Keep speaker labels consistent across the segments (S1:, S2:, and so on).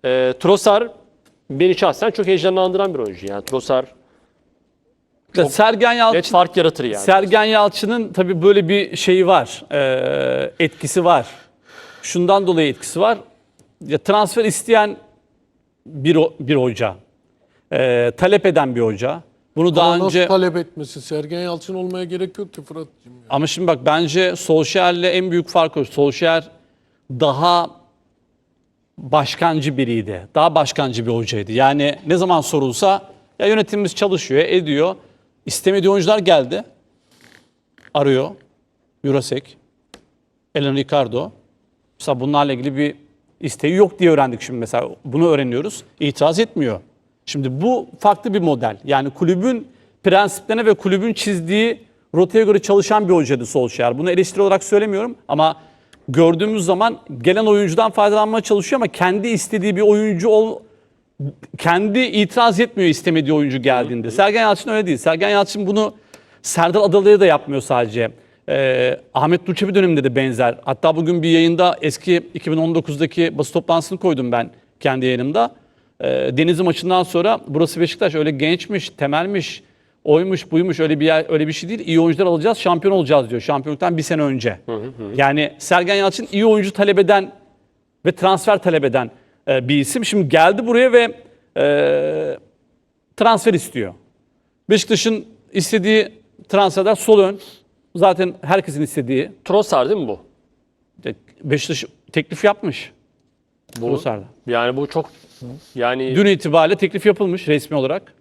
S1: Trossard beni şahsen çok heyecanlandıran bir oyuncu. Yani Trossard çok
S2: Sergen
S1: net
S2: Yalçın,
S1: fark yaratır yani.
S2: Sergen Yalçın'ın tabii böyle bir şeyi var, etkisi var. Şundan dolayı etkisi var. Ya transfer isteyen bir hoca, talep eden bir hoca. Bunu daha
S3: Ama
S2: önce
S3: nasıl talep etmesi? Sergen Yalçın olmaya gerek yok ki Fırat'cığım. Ya.
S2: ama şimdi bak bence Solskjaer'le en büyük fark o. Solskjaer daha başkancı biriydi. Daha başkancı bir hocaydı. Yani ne zaman sorulsa ya yönetimimiz çalışıyor, ediyor. İstemediği oyuncular geldi. Arıyor. Jurasek, Elen Ricardo. Mesela bunlarla ilgili bir isteği yok diye öğrendik şimdi mesela. Bunu öğreniyoruz. İtiraz etmiyor. Şimdi bu farklı bir model. Yani kulübün prensiplerine ve kulübün çizdiği rotaya göre çalışan bir hocaydı Solskjaer. Bunu eleştiri olarak söylemiyorum ama gördüğümüz zaman gelen oyuncudan faydalanmaya çalışıyor ama kendi istediği bir oyuncu kendi itiraz etmiyor istemediği oyuncu geldiğinde. Sergen Yalçın öyle değil. Sergen Yalçın bunu Serdar Adalı'ya da yapmıyor sadece. Ahmet Durçebi döneminde de benzer. Hatta bugün bir yayında eski 2019'daki basın toplantısını koydum ben kendi yayınımda. Denizli maçından sonra burası Beşiktaş öyle gençmiş, temelmiş, oymuş, buymuş öyle bir yer, öyle bir şey değil. İyi oyuncular alacağız, şampiyon olacağız diyor. Şampiyonluktan bir sene önce. Yani Sergen Yalçın iyi oyuncu talep eden ve transfer talep eden bir isim. Şimdi geldi buraya ve transfer istiyor. Beşiktaş'ın istediği transferler sol ön. Zaten herkesin istediği.
S1: Trossard değil mi bu?
S2: Beşiktaş teklif yapmış.
S1: Bu
S2: Trossard'a.
S1: yani bu çok yani
S2: Dün itibariyle teklif yapılmış resmi olarak.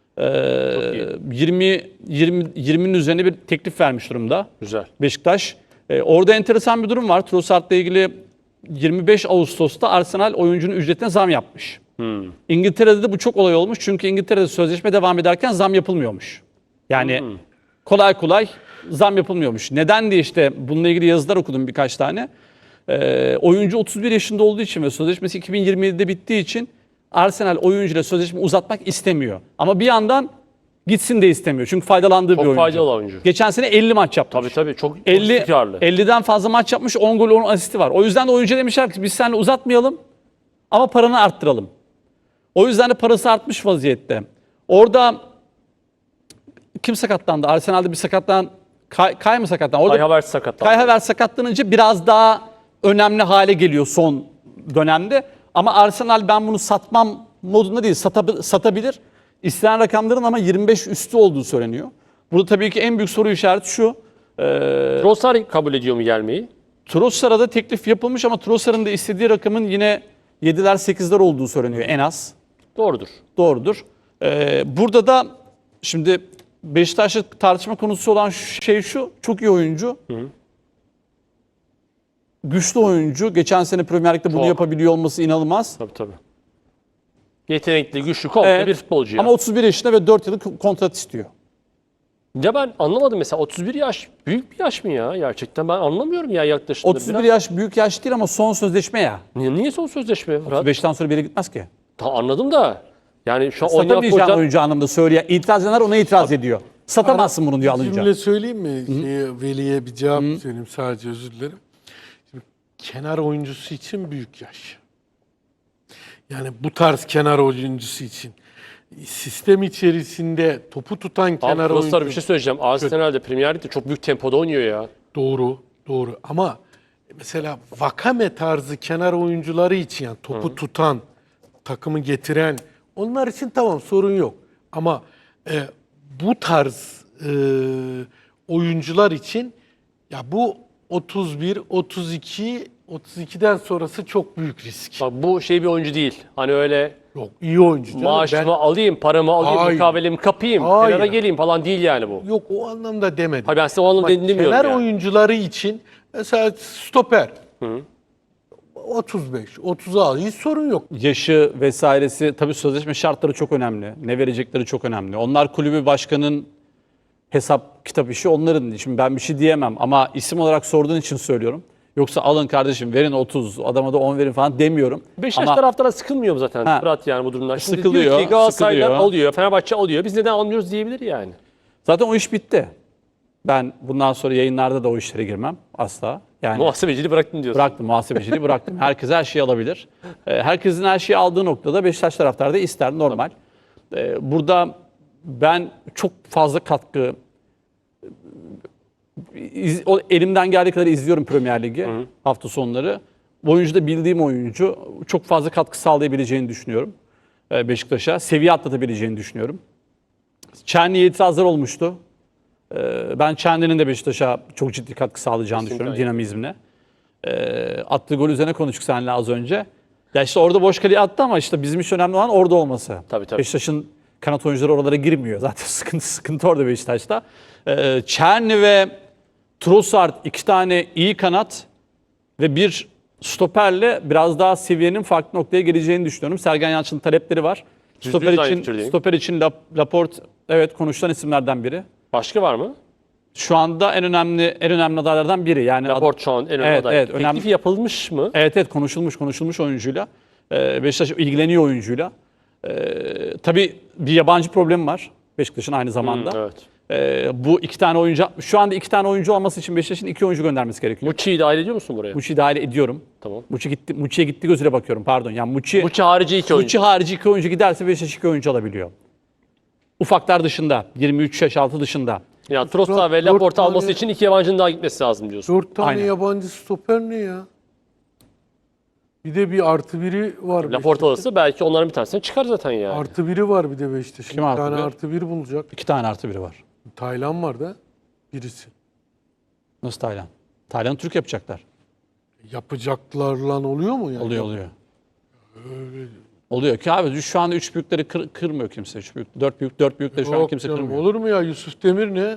S2: 20'nin üzerine bir teklif vermiş durumda
S1: güzel.
S2: Beşiktaş. Orada enteresan bir durum var. Trossard'la ilgili 25 Ağustos'ta Arsenal oyuncunun ücretine zam yapmış. İngiltere'de de bu çok olay olmuş. Çünkü İngiltere'de sözleşme devam ederken zam yapılmıyormuş. Yani kolay kolay zam yapılmıyormuş. Neden diye işte bununla ilgili yazılar okudum birkaç tane. Oyuncu 31 yaşında olduğu için ve sözleşmesi 2027'de bittiği için Arsenal oyuncuyla sözleşme uzatmak istemiyor. Ama bir yandan gitsin de istemiyor. Çünkü faydalandığı bir oyuncu.
S1: Çok faydalı oyuncu.
S2: Geçen sene 50 maç yapmış.
S1: Tabii çok
S2: 50,
S1: istikrarlı.
S2: 50'den fazla maç yapmış, 10 gol 10 asisti var. O yüzden de oyuncu demişler ki biz seninle uzatmayalım ama paranı arttıralım. O yüzden de parası artmış vaziyette. Orada kim sakatlandı? Arsenal'de bir sakatlanan Kay mı sakatlandı? Orada
S1: Kai Havertz sakatlandı.
S2: Kai Havertz sakatlanınca biraz daha önemli hale geliyor son dönemde. Ama Arsenal ben bunu satmam modunda değil, satabilir. İstenen rakamların ama 25 üstü olduğu söyleniyor. Burada tabii ki en büyük soru işareti şu.
S1: Trossard kabul ediyor mu gelmeyi?
S2: Trossard'a da teklif yapılmış ama Trossard'ın da istediği rakamın yine 7'ler 8'ler olduğu söyleniyor en az.
S1: Doğrudur.
S2: Doğrudur. Burada da şimdi Beşiktaş'ta tartışma konusu olan şey şu. Çok iyi oyuncu. Güçlü oyuncu. Geçen sene Premier Lig'de bunu
S1: Çok.
S2: yapabiliyor olması inanılmaz.
S1: Tabii. Yetenekli, güçlü, komple bir futbolcu ya.
S2: Ama 31 yaşında ve 4 yıllık kontrat istiyor.
S1: Ya ben anlamadım mesela 31 yaş büyük bir yaş mı ya gerçekten ben anlamıyorum ya yaklaşımda.
S2: 31 yaş büyük yaş değil ama son sözleşme ya.
S1: Niye son sözleşme Fırat?
S2: 35'ten sonra bir yere gitmez ki.
S1: Tamam anladım da yani şu an oynayan
S2: Satamayacağın
S1: futbolcular
S2: oyuncu anlamda söylüyor. İtiraz edenler ona itiraz ediyor. Satamazsın bunu diyor
S3: Bir
S2: alınca.
S3: cümle söyleyeyim mi? Veli'ye bir cevap söyleyeyim sadece özür dilerim. Şimdi, kenar oyuncusu için büyük yaş. Yani bu tarz kenar oyuncusu için sistem içerisinde topu tutan kenar
S1: Trossard
S3: oyuncu.
S1: bir şey söyleyeceğim. Arsenal'de Premier Lig'de çok büyük tempoda oynuyor ya.
S3: Doğru. Ama mesela Vakame tarzı kenar oyuncuları için yani topu tutan, takımı getiren onlar için tamam sorun yok. Ama bu tarz oyuncular için ya bu 31, 32, 32'den sonrası çok büyük risk.
S1: Bak bu şey bir oyuncu değil. Hani öyle
S3: Yok iyi oyuncu. canım.
S1: maaşımı alayım, paramı alayım,
S3: Hayır.
S1: mukavelemi kapayım,
S3: Hayır.
S1: kenara geleyim falan değil yani bu.
S3: Yok o anlamda demedim.
S1: Hayır ben size o anlamda
S3: Ama
S1: dediğini demiyorum
S3: kenar
S1: yani.
S3: oyuncuları için mesela stoper. 35, 30'a hiç sorun yok.
S2: Yaşı vesairesi tabii sözleşme şartları çok önemli. Ne verecekleri çok önemli. Onlar kulübü başkanın hesap kitap işi onların. Şimdi ben bir şey diyemem ama isim olarak sorduğun için söylüyorum. Yoksa alın kardeşim verin 30 adama da 10 verin falan demiyorum.
S1: Beşiktaş
S2: Ama
S1: taraftarı sıkılmıyor mu zaten
S2: Ha.
S1: Fırat yani bu durumdan? Şimdi
S2: Sıkılıyor,
S1: diyor ki Galatasaray'dan
S2: sıkılıyor.
S1: alıyor, Fenerbahçe alıyor. Biz neden almıyoruz diyebilir yani.
S2: zaten o iş bitti. Ben bundan sonra yayınlarda da o işlere girmem asla. Yani
S1: Muhasebeciliği bıraktın diyorsun.
S2: bıraktım, muhasebeciliği bıraktım. Herkes her şeyi alabilir. Herkesin her şeyi aldığı noktada Beşiktaş taraftarı da ister, normal. Burada ben çok fazla katkı, elimden geldiği kadar izliyorum Premier Ligi hafta sonları. Bu oyuncu da bildiğim oyuncu. Çok fazla katkı sağlayabileceğini düşünüyorum Beşiktaş'a. Seviye atlatabileceğini düşünüyorum. Çerni'ye itirazlar olmuştu. Ben Çerni'nin de Beşiktaş'a çok ciddi katkı sağlayacağını düşünüyorum dinamizmle. Attığı gol üzerine konuştuk seninle az önce. Ya işte orada boş kaleye attı ama işte bizim için önemli olan orada olması.
S1: Tabii.
S2: Beşiktaş'ın kanat oyuncuları oralara girmiyor. Zaten sıkıntı orada Beşiktaş'ta. Çerni ve Trossard, 2 tane iyi kanat ve bir stoperle biraz daha seviyenin farklı noktaya geleceğini düşünüyorum. Sergen Yalçın'ın talepleri var. Stoper için Laporte evet konuşulan isimlerden biri.
S1: Başka var mı?
S2: Şu anda en önemli adaylardan biri. Yani
S1: Laporte şu an en önemli aday.
S2: Evet,
S1: Teklifi yapılmış mı?
S2: Evet konuşulmuş oyuncuyla. Beşiktaş ilgileniyor oyuncuyla. Tabii bir yabancı problemi var Beşiktaş'ın aynı zamanda.
S1: Evet.
S2: Bu 2 tane oyuncu, şu anda 2 tane oyuncu olması için Beşiktaş'ın 2 oyuncu göndermesi gerekiyor.
S1: Muçi'yi dahil ediyor musun buraya?
S2: Muçi'yi dahil ediyorum.
S1: Tamam.
S2: Muçi'ye gitti gözüyle bakıyorum, pardon. Yani
S1: Muçi harici 2 oyuncu.
S2: Muçi harici 2 oyuncu giderse Beşiktaş 2 oyuncu alabiliyor. Ufaklar dışında, 23 yaş altı dışında.
S1: Yani Trossard ve Laporte alması için 2 yabancının daha gitmesi lazım diyorsun.
S3: 4 tane
S2: Aynen.
S3: yabancı stoper ne ya? Bir de bir artı biri var.
S1: Laporte alırsa belki onların bir tanesini çıkar zaten yani.
S3: Artı biri var bir de Beşiktaş'ın.
S2: Kim
S3: Bir
S2: artı
S3: tane
S2: bir?
S3: artı bir bulacak.
S2: 2 tane artı biri var.
S3: Taylan var da birisi.
S2: Nasıl Taylan? Taylan'ı Türk yapacaklar.
S3: Yapacaklarla oluyor mu yani?
S2: Oluyor. Oluyor ki abi şu anda 3 büyükleri kırmıyor kimse. 3 büyük, 4 büyükleri şu an
S3: Yok
S2: kimse
S3: canım,
S2: kırmıyor.
S3: olur mu ya? Yusuf Demir ne?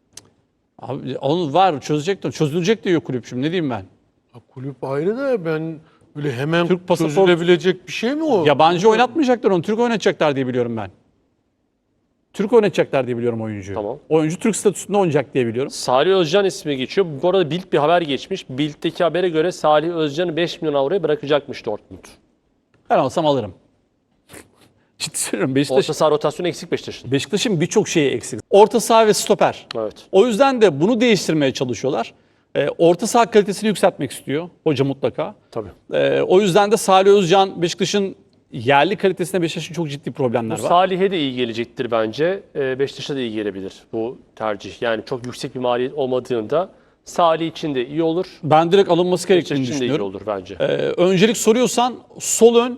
S2: Abi onu var çözülecek diyor kulüp şimdi, ne diyeyim ben.
S3: Ya kulüp ayrı da ben böyle hemen
S2: Türk pasaport-
S3: çözülebilecek bir şey mi o?
S2: Yabancı oynatmayacaklar onu, Türk oynatacaklar diye biliyorum ben. Türk oynatacaklar diye biliyorum oyuncuyu.
S1: Tamam.
S2: Oyuncu Türk statüsünde oynayacak diye biliyorum.
S1: Salih Özcan ismi geçiyor. Bu arada Bild bir haber geçmiş. Bild'deki habere göre Salih Özcan'ı 5 milyon avroya bırakacakmış Dortmund.
S2: Ben olsam alırım. Ciddi söylüyorum.
S1: Orta saha rotasyonu eksik Beşiktaş'ın.
S2: Beşiktaş'ın birçok şeyi eksik. Orta saha ve stoper.
S1: Evet.
S2: O yüzden de bunu değiştirmeye çalışıyorlar. Orta saha kalitesini yükseltmek istiyor hoca mutlaka.
S1: Tabii.
S2: O yüzden de Salih Özcan, Beşiktaş'ın yerli kalitesinde Beşiktaş'ın çok ciddi problemler var.
S1: Salih'e de iyi gelecektir bence. Beşiktaş'a da iyi gelebilir bu tercih. Yani çok yüksek bir maliyet olmadığında Salih için de iyi olur.
S2: Ben direkt alınması
S1: Beşiktaş
S2: gerektiğini
S1: için de iyi
S2: düşünüyorum.
S1: olur bence.
S2: Öncelik soruyorsan sol ön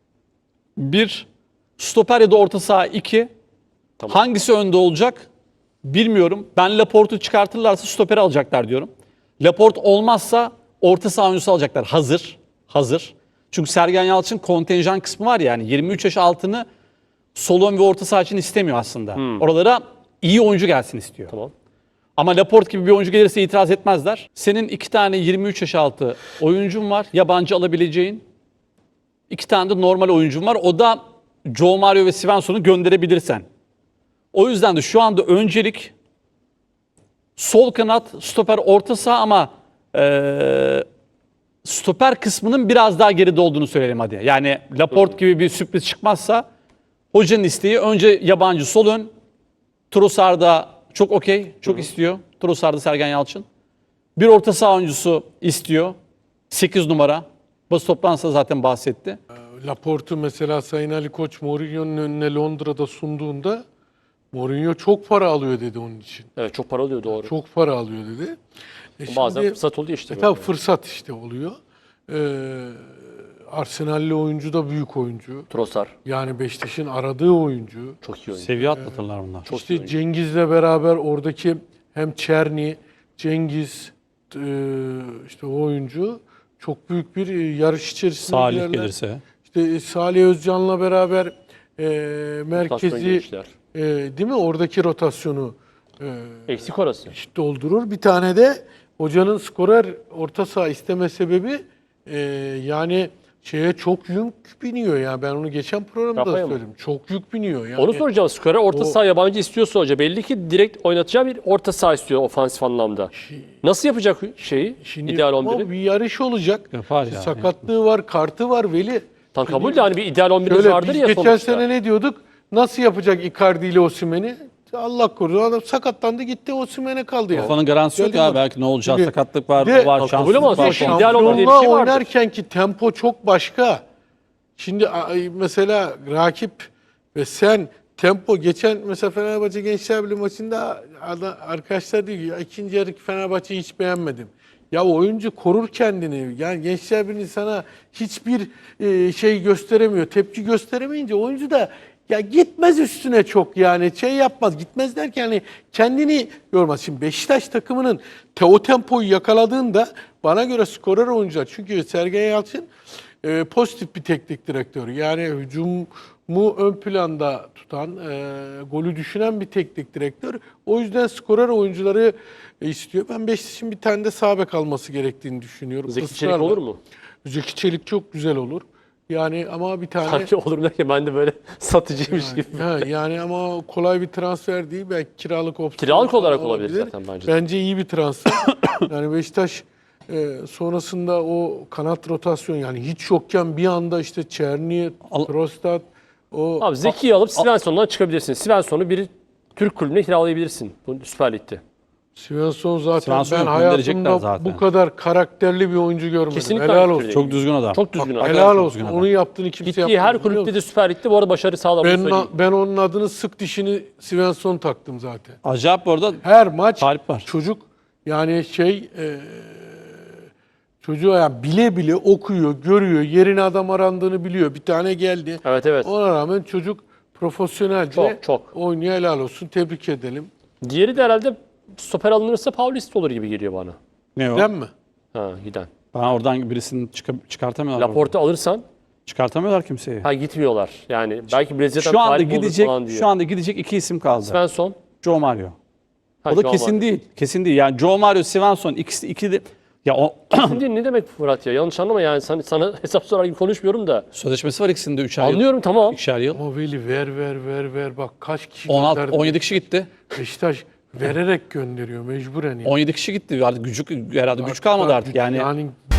S2: 1, stoper ya da orta saha 2.
S1: Tamam.
S2: Hangisi önde olacak bilmiyorum. Ben Laporte'u çıkartırlarsa stoperi alacaklar diyorum. Laporte olmazsa orta saha oyuncusu alacaklar. Hazır. Çünkü Sergen Yalçın kontenjan kısmı var yani 23 yaş altını sol ön ve orta saha için istemiyor aslında. Oralara iyi oyuncu gelsin istiyor.
S1: Tamam.
S2: Ama Laporte gibi bir oyuncu gelirse itiraz etmezler. Senin 2 tane 23 yaş altı oyuncun var. Yabancı alabileceğin. 2 tane de normal oyuncun var. O da Joe Mario ve Svensson'u gönderebilirsen. O yüzden de şu anda öncelik sol kanat, stoper, orta saha ama stoper kısmının biraz daha geride olduğunu söyleyelim hadi. Yani Laporte gibi bir sürpriz çıkmazsa hocanın isteği önce yabancı sol ön. Trossard'da çok okey, çok istiyor. Trossard'da Sergen Yalçın. Bir orta saha oyuncusu istiyor. 8 numara. Basın toplantısında zaten bahsetti.
S3: Laporte'u mesela Sayın Ali Koç Mourinho'nun önüne Londra'da sunduğunda Mourinho çok para alıyor dedi onun için.
S1: Evet, çok para alıyor, doğru.
S3: Çok para alıyor dedi.
S1: Bazen
S3: Şimdi-
S1: fırsat oluyor işte.
S3: Tabii fırsat işte oluyor. Arsenal'li oyuncu da büyük oyuncu.
S1: Trossard
S3: Yani Beşiktaş'ın aradığı oyuncu.
S1: çok iyi oyuncu.
S2: Seviye atlatırlar bunlar.
S1: Çok iyi
S3: İşte
S1: oyuncu.
S3: Cengiz'le beraber oradaki hem Çerni, Cengiz işte o oyuncu çok büyük bir yarış içerisinde
S2: Salih
S3: girerler.
S2: gelirse.
S3: İşte Salih Özcan'la beraber
S1: Rotasyon
S3: merkezi
S1: gençler.
S3: değil mi? Oradaki rotasyonu
S1: Eksik orası.
S3: doldurur. Bir tane de hocanın skorer orta saha isteme sebebi yani şeye çok yük biniyor ya. Ben onu geçen programda
S1: Rafa'ya mı?
S3: söyledim. Çok yük biniyor yani.
S1: Onu soracağım. Skora orta saha yabancı istiyorsa hoca belli ki direkt oynatacağı bir orta saha istiyor ofansif anlamda. Nasıl yapacak şeyi?
S3: Şimdi
S1: ideal
S3: ama
S1: 11'i?
S3: bir yarış olacak.
S2: Yapar
S3: İşte
S2: ya.
S3: sakatlığı var, kartı var Veli.
S1: Tam kabul de hani bir ideal 11'imiz
S3: Şöyle
S1: vardır
S3: biz
S1: ya
S3: geçen
S1: sonuçta.
S3: sene ne diyorduk? Nasıl yapacak Icardi ile Osimhen'i? Allah korusun adam sakatlandı gitti Osimhen'e kaldı yani.
S2: Kafanın garantisi yok
S3: Geldi
S2: ya.
S3: mi?
S2: Belki ne olacak?
S3: Şimdi-
S2: Sakatlık var,
S3: Bir de-
S2: var,
S1: Kabul
S2: şanssızlık
S1: ama
S2: var.
S1: şey, ideal olan diye bir
S3: Şampiyonluğa
S1: şey vardır.
S3: oynarken ki tempo çok başka. Şimdi mesela rakip ve sen tempo geçen mesela Fenerbahçe Gençler Birliği maçında arkadaşlar diyor ki ya ikinci yarı Fenerbahçe'yi hiç beğenmedim. Ya oyuncu korur kendini. Yani Gençler Birliği sana hiçbir şey gösteremiyor. Tepki gösteremeyince oyuncu da ya gitmez üstüne çok yani şey yapmaz. Gitmez derken hani kendini yormaz. Şimdi Beşiktaş takımının o tempoyu yakaladığında bana göre skorer oyuncular. Çünkü Sergen Yalçın pozitif bir teknik direktör. Yani hücumu ön planda tutan, golü düşünen bir teknik direktör. O yüzden skorer oyuncuları istiyor. Ben Beşiktaş'ın bir tane de sağ bek alması gerektiğini düşünüyorum.
S1: Zeki Çelik
S3: Israrla.
S1: olur mu?
S3: Zeki Çelik çok güzel olur. Yani ama bir tane
S1: Sanki olur derken ben de böyle satıcıymış gibi.
S3: yani ama kolay bir transfer değil. Belki kiralık opsiyon.
S1: Kiralık olarak
S3: falan
S1: olabilir zaten bence de.
S3: Bence iyi bir transfer. Yani Beşiktaş sonrasında o kanat rotasyon yani hiç yokken bir anda işte Çerni, Trostat o
S1: Abi Zeki'yi alıp Svensson'dan çıkabilirsin. Svensson'u bir Türk kulübüne kiralayabilirsin bu Süper Lig'de.
S3: Svensson zaten
S2: Svensson'u
S3: ben
S2: gönderecekler
S3: hayatımda
S2: zaten.
S3: bu kadar karakterli bir oyuncu görmedim.
S1: Kesinlikle
S3: Helal
S1: aynı
S3: olsun.
S1: fikirde.
S2: Çok düzgün adam.
S1: Çok düzgün adam.
S3: Helal
S2: çok
S3: olsun.
S2: düzgün adam.
S3: Onun yaptığını kimse
S1: Gittiği
S3: yapmaz.
S1: her
S3: biliyor
S1: kulüpte
S3: musun?
S1: de Süper Lig'de bu arada başarı sağlamış söyleyeyim.
S3: Ben onun adını sık dişini Svensson taktım zaten.
S2: Acayip bu arada
S3: Her maç
S2: talip var.
S3: çocuk yani çocuğa yani bile bile okuyor, görüyor, yerine adam arandığını biliyor. Bir tane geldi.
S1: Evet, evet.
S3: Ona rağmen çocuk profesyonelce
S1: Çok.
S3: oynuyor, helal olsun. Tebrik edelim.
S1: Diğeri de herhalde stoper alınırsa Paulista olur gibi geliyor bana.
S2: ne o?
S3: Değil mi?
S1: Ha giden.
S2: Ben oradan birisini çıkartamıyorlar.
S1: Laporte alırsan
S2: Çıkartamıyorlar kimseyi.
S1: ha gitmiyorlar. Yani belki Brezilya'dan
S2: Şu anda
S1: talip olur
S2: gidecek
S1: falan diye.
S2: şu anda gidecek iki isim kaldı.
S1: Svensson.
S2: Joe Mario.
S1: Ha,
S2: O da
S1: Joao
S2: kesin
S1: Mario.
S2: değil. Kesin değil. Yani Joe Mario, Svensson ikisi de ya o
S1: Şimdi ne demek Murat ya? Yanlış anlama yani sana hesap sorar gibi konuşmuyorum da.
S2: sözleşmesi var ikisinde 3 ay yıl.
S1: Anlıyorum tamam.
S2: 2'şer yıl.
S3: Ama Veli ver. Bak kaç kişi
S2: 16
S3: gönderdi.
S2: 17 kişi gitti.
S3: Beşiktaş vererek gönderiyor mecburen. Yani.
S2: 17 kişi gitti. Artık herhalde güç kalmadı artık. Yani